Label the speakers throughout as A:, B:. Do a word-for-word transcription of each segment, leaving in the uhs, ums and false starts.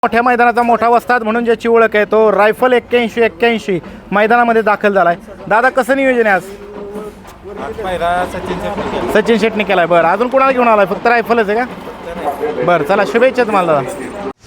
A: मोठ्या मैदानाचा मोठा वस्ताद म्हणून ज्याची ओळख आहे तो रायफल एक्क्याऐंशी एक्क्याऐंशी मैदानामध्ये दाखल झालाय. दादा कसं नियोजन आहे आज? सचिन शेट्टी केलाय. बरं, अजून कोणाला घेऊन आलाय? फक्त रायफलच आहे का? बरं, चला शुभेच्छा तुम्हाला दादा.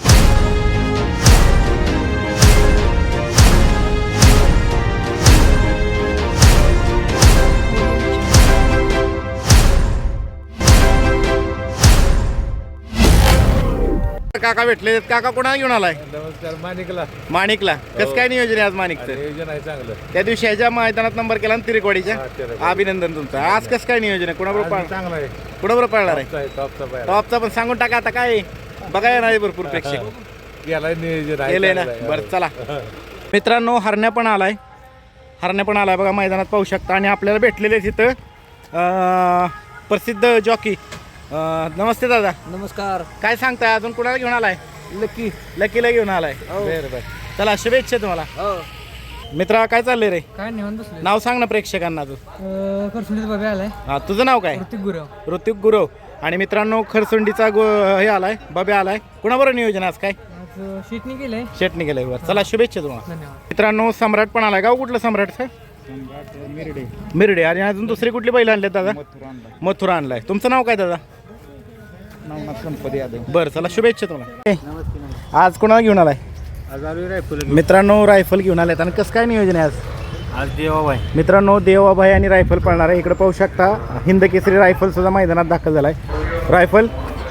A: काका भेटले. काका कोणाला घेऊन आलाय?
B: नमस्कार. माणिकला.
A: माणिकला. कसं काय नियोजन आहे आज माणिकचं?
B: नियोजन आहे चांगलं.
A: त्या दिवशी ह्याच्या मैदानात नंबर केला ना तिरेकवाडीच्या. अभिनंदन तुमचं. आज कसं काय नियोजन आहे? कोणाबरोबर पाळ
B: चांगलं आहे.
A: कोणाबरोबर पाळणार आहे?
B: टॉपचा पाय.
A: टॉपचा पण सांगून टाका आता काय बघायला नाही भरपूर प्रेक्षक
B: गेलाय नियोजन आहे.
A: केलंय ना. बरं चला मित्रांनो, हरण्या पण आलाय. हरण्या पण आलाय बघा, मैदानात पाहू शकता. आणि आपल्याला भेटलेले तिथं अं, प्रसिद्ध जॉकी. नमस्ते दादा.
C: नमस्कार.
A: काय सांगताय? अजून कुणाला घेऊन आलाय?
C: लकी.
A: लकीला घेऊन आलाय. बरं बरं, चला शुभेच्छा तुम्हाला. मित्रा काय चाललंय रे?
C: काय निवांत बसलोय.
A: नाव सांग ना प्रेक्षकांना तू.
C: करसुंडीचा बाबा आलाय.
A: हा, तुझं नाव काय?
C: ऋतिक गुरव.
A: ऋतिक गुरव. आणि मित्रांनो, खरसुंडीचा गो हे आलाय, बब्या आलाय. कुणाबरोबर नियोजन आज काय?
C: आज शेटणी केलंय.
A: शेटणी केलंय. बरं चला शुभेच्छा तुम्हाला.
C: धन्यवाद.
A: मित्रांनो, सम्राट पण आलाय. गाव कुठलं सम्राटचं?
B: मिरडे.
A: मिरडे. आणि अजून दुसरी कुठली बैल आणले दादा? मथुरा आणलाय. तुमचं नाव काय दादा?
B: नवनाथ गणपती यादव.
A: बरं चला शुभेच्छा तुम्हाला. आज कोणाला घेऊन आलाय?
B: आज आलोय रायफल.
A: मित्रांनो, रायफल घेऊन आलेत. आणि कसं काय नियोजन आहे आज?
B: आज देवाबाई.
A: मित्रांनो, देवाबाई आणि रायफल पळणार आहे. इकडे पाहू शकता हिंद केसरी रायफल सुद्धा मैदानात दाखल झालाय. रायफल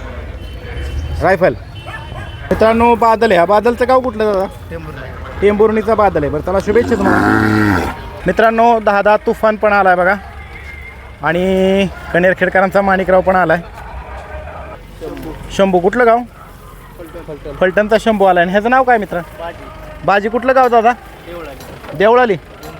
A: रायफल मित्रांनो, बादल आहे. हा बादलचं गाव कुठलं दादा? टेंभुर्णीचा बादल आहे. बरं चला शुभेच्छा तुम्हाला. मित्रांनो, दहा दहा तुफान पण आलाय बघा. आणि कनेरखेडकरांचा माणिकराव पण आलाय. शंभू. कुठलं गाव? फलटणचा शंभू आलाय. आणि ह्याचं नाव काय मित्र? बाजी. कुठलं गाव दादा? देवळाली.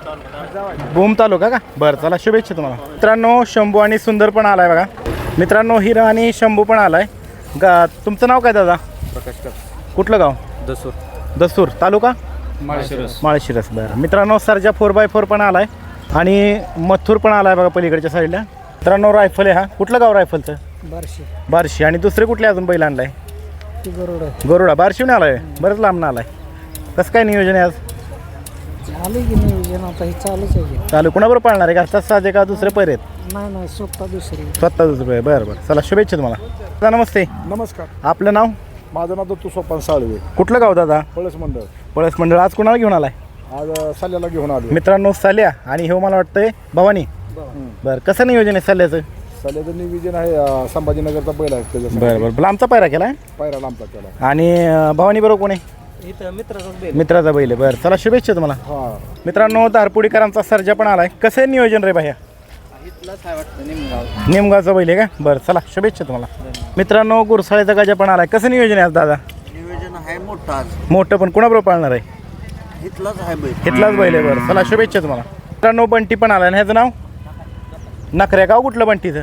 A: भूम तालुका का? बरं चला शुभेच्छा तुम्हाला. मित्रांनो, शंभू आणि सुंदर पण आलाय बघा. मित्रांनो, हिरा आणि शंभू पण आलाय. गा तुमचं नाव काय दादा?
B: प्रकाश.
A: कुठलं गाव?
B: दसूर.
A: दसूर तालुका?
B: माळशिरस.
A: माळशिरस. बरं मित्रांनो, सरजा फोर बाय फोर पण आलाय. आणि मथुर पण आलाय बघा पलीकडच्या साईडला. मित्रांनो, रायफल आहे. हा कुठलं गाव रायफलचं?
C: बारशे.
A: बार्शी. आणि दुसरे कुठले अजून बैल आणलाय?
C: गरुड.
A: गरुडा. बार्शीहून आलाय. बरंच लांब आलाय. कसं काय नियोजन आहे आज?
C: चालू की नियोजन आता हे चालूच आहे.
A: चालू. कुणाबरोबर पाळणार आहे? घरचाच साधे का दुसरे पैर आहेत?
C: नाही नाही स्वतः दुसरी.
A: स्वतः दुसरे. बरं बरं चला शुभेच्छा तुम्हाला. दादा नमस्ते.
B: नमस्कार.
A: आपलं नाव?
B: माझं नाव दत्तू सोपान साळवे.
A: कुठलं गाव दादा?
B: पळस मंडळ.
A: पळस मंडळ. आज कुणाला घेऊन आलाय?
B: आज साल्याला घेऊन आलो.
A: मित्रांनो, साल्या. आणि हे मला वाटतंय भवानी. बरं, कसं नियोजन आहे साल्याचं?
B: साल्याचं नियोजन आहे संभाजीनगरचा बैल आहे त्याच्या.
A: बरं बरं, लांबचा पायरा केला आहे.
B: पायरा लांबचा केला.
A: आणि अं, भवानी बरोबर कोण आहे?
C: इथं मित्राचाच बैल.
A: मित्राचा बैल आहे. बरं चला शुभेच्छा तुम्हाला.
B: हा.
A: मित्रांनो, दारपुडीकरांचा सर्जा पण आलाय. कसं आहे नियोजन रे भाया?
C: इथलाच आहे वाटतं निमगाव.
A: निमगावचा बैल आहे का? बरं चला शुभेच्छा तुम्हाला. मित्रांनो, गुरसाळ्याचा गजा पण आलाय. कसं नियोजन आहे आज दादा?
C: नियोजन आहे मोठं आज.
A: मोठं पण कोणाबरोबर पाळणार आहे?
C: इथलाच आहे बैल.
A: इथलाच बैल आहे. बरं चला शुभेच्छा तुम्हाला. मित्रांनो, बंटी पण आलाय. आणि ह्याचं नाव? नखऱ्या. गाव कुठलं बंटीचं?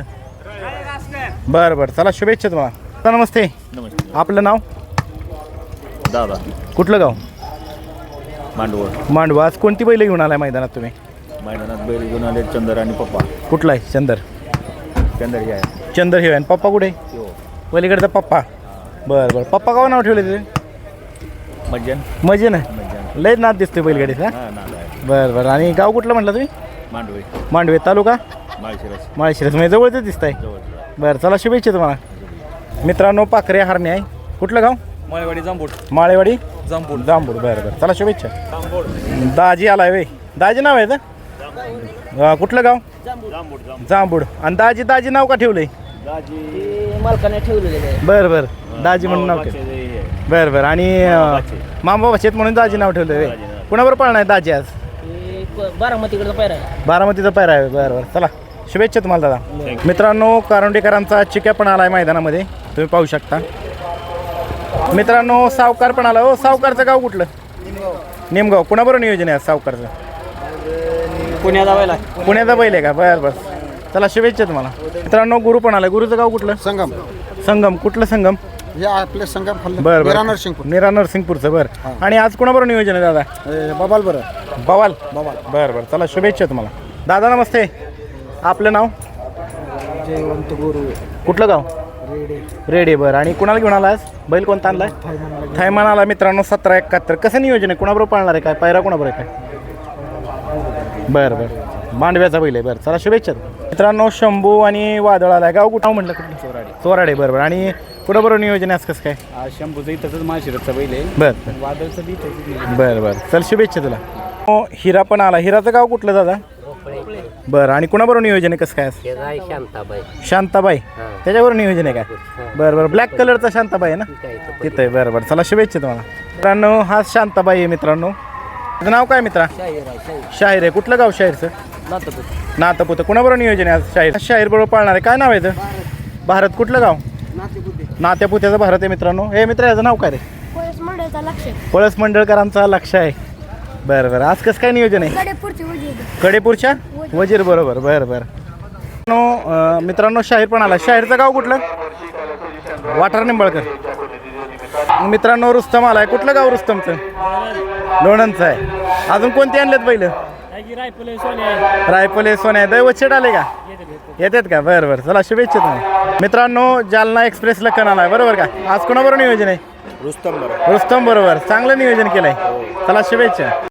A: बरं बरं चला शुभेच्छा तुम्हाला. दादा नमस्ते.
D: नमस्ते.
A: आपलं नाव?
D: दादा.
A: कुठलं गाव?
D: मांडवळ.
A: मांडवा. आज कोणती बैल घेऊन आलाय मैदानात तुम्ही?
D: मैदानात बैल घेऊन आले चंदर आणि पप्पा.
A: कुठला आहे? चंदर.
D: चंदर हे आहे.
A: चंदर हे आणि पप्पा कुठे?
D: हो.
A: पलीकडचा पप्पा. बरं बरं. पप्पा गाव नाव ठेवले तिथे?
D: मज्जन.
A: मजे ना.
D: मज्जन.
A: लयच नाद दिसतोय बैलगाडीचा.
D: हा नाद आहे.
A: बरं बरं. आणि गाव कुठलं म्हटलं तुम्ही?
D: मांडवे.
A: मांडवे तालुका?
D: माळशिरस.
A: माळशिरस. म्हणजे जवळच दिसतंय.
D: जवळ.
A: बरं चला शुभेच्छा तुम्हाला. मित्रांनो, पाखरे हरणे आहे. कुठलं गाव?
D: माळेवाडी जांबूड.
A: माळेवाडी
D: जांबूड.
A: जांबूड. बरं बरं चला शुभेच्छा.
D: जांबूड.
A: दाजी आलाय वे. दाजी नाव आहे का? अं, कुठलं गाव?
D: जांबूड.
A: जांबूड. आणि दाजी दाजी नाव का ठेवलंय?
D: दाजी.
C: मालकाने ठेवलेले आहे.
A: बरं बरं. दाजी म्हणून नाव ठेवलं. बरं बरं. आणि मामा शेत म्हणून दाजी नाव ठेवलं वे. कुणाबरोबर पाळणार आहे दाजी आज?
C: बारामतीकडचा पायरा आहे.
A: बारामतीचा पैरा आहे. बरं बरं चला शुभेच्छा तुम्हाला दादा. मित्रांनो, कारुंडेकरांचा चिक्या पण आलाय मैदानामध्ये, तुम्ही पाहू शकता. मित्रांनो, सावकार पण आला. हो, सावकारचं गाव कुठलं? निमगाव. कुणाबरोबर नियोजन आहे सावकारचं?
C: पुण्याचा बैल.
A: पुण्याचा बैल आहे का? बरं बरं चला शुभेच्छा तुम्हाला. मित्रांनो, गुरु पण आलाय. गुरुचं गाव कुठलं?
B: संगम.
A: संगम. कुठलं संगम?
B: हे आपले संगम.
A: बरं बरं.
B: नरसिंगपूर.
A: निरा नरसिंगपूरचं. बरं. आणि आज कुणाबरोबर नियोजन आहे दादा?
B: बबाल बरं.
A: बवाल.
B: बबाल.
A: बरं बरं चला शुभेच्छा तुम्हाला. दादा नमस्ते. आपलं नाव?
C: जयवंत गुरु.
A: कुठलं गाव?
C: रेडी
A: रेडी बरं. आणि कुणाला घेऊन आला आज बैल कोणता आणलाय थायमान आला मित्रांनो सतरा एकाहत्तर. कसं नियोजन आहे कुणाबरोबर पाळणार आहे काय पायरा कुणाबरोबर आहे काय बरं बरं मांडव्याचा बैल आहे बरं चला शुभेच्छा मित्रांनो. शंभू आणि वादळ आलाय गाव कुठं म्हटलं कुठलं
D: चोराडे
A: चोराडे बरोबर. आणि कुणाबरोबर नियोजन आहे आज कसं काय
D: आज शंभूचं इथंच माशिरसचा बैल आहे
A: बरं
D: वादळचं बी इथंच
A: बरं बरं चल शुभेच्छा तुला. हो हिरा पण आला. हिराचं गाव कुठलं दादा बरं. आणि कुणाबरोबर नियोजन आहे कसं काय आज?
C: शांताबाई
A: शांताबाई त्याच्यावर नियोजन आहे काय बरं बरं. ब्लॅक कलरचा शांताबाई आहे ना तिथं आहे बरं बरं चला शुभेच्छा तुम्हाला मित्रांनो. हा शांताबाई आहे मित्रांनो. तुझं नाव काय मित्रा शाहीर आहे. कुठलं गाव शाहीरचं नातपुत. कुणाबरोबर नियोजन आहे आज शाहीर शाहीर बरोबर पाळणार आहे काय नाव आहे याचं भारत कुठलं गाव नात्यापुत्याचं भारत आहे मित्रांनो. हे मित्र याचं नाव काय रे
E: पोलीस मंडळाचा लक्ष
A: पळस मंडळकरांचा लक्ष आहे बरं बरं. आज कसं काय नियोजन आहे
E: कडेपूरची वजीर
A: कडेपूरच्या वजीर बरोबर बरं बरं. मित्रांनो अं, मित्रांनो शाहीर पण आला. शाहीरचं गाव कुठलं वाठार निंबाळकर. मित्रांनो रुस्तम आलाय. कुठलं गाव रुस्तमचं लोणंदचं आहे. अजून कोणते आणलेत पहिलं रायफले सोन्या दैवत आले का येतात का बरं बरं चला शुभेच्छा तुम्हाला मित्रांनो. जालना एक्सप्रेस लखन आलाय बरोबर का. आज कोणाबरोबर नियोजन आहे
D: रुस्तम बरोबर
A: रुस्तम बरोबर. चांगलं नियोजन केलंय चला शुभेच्छा.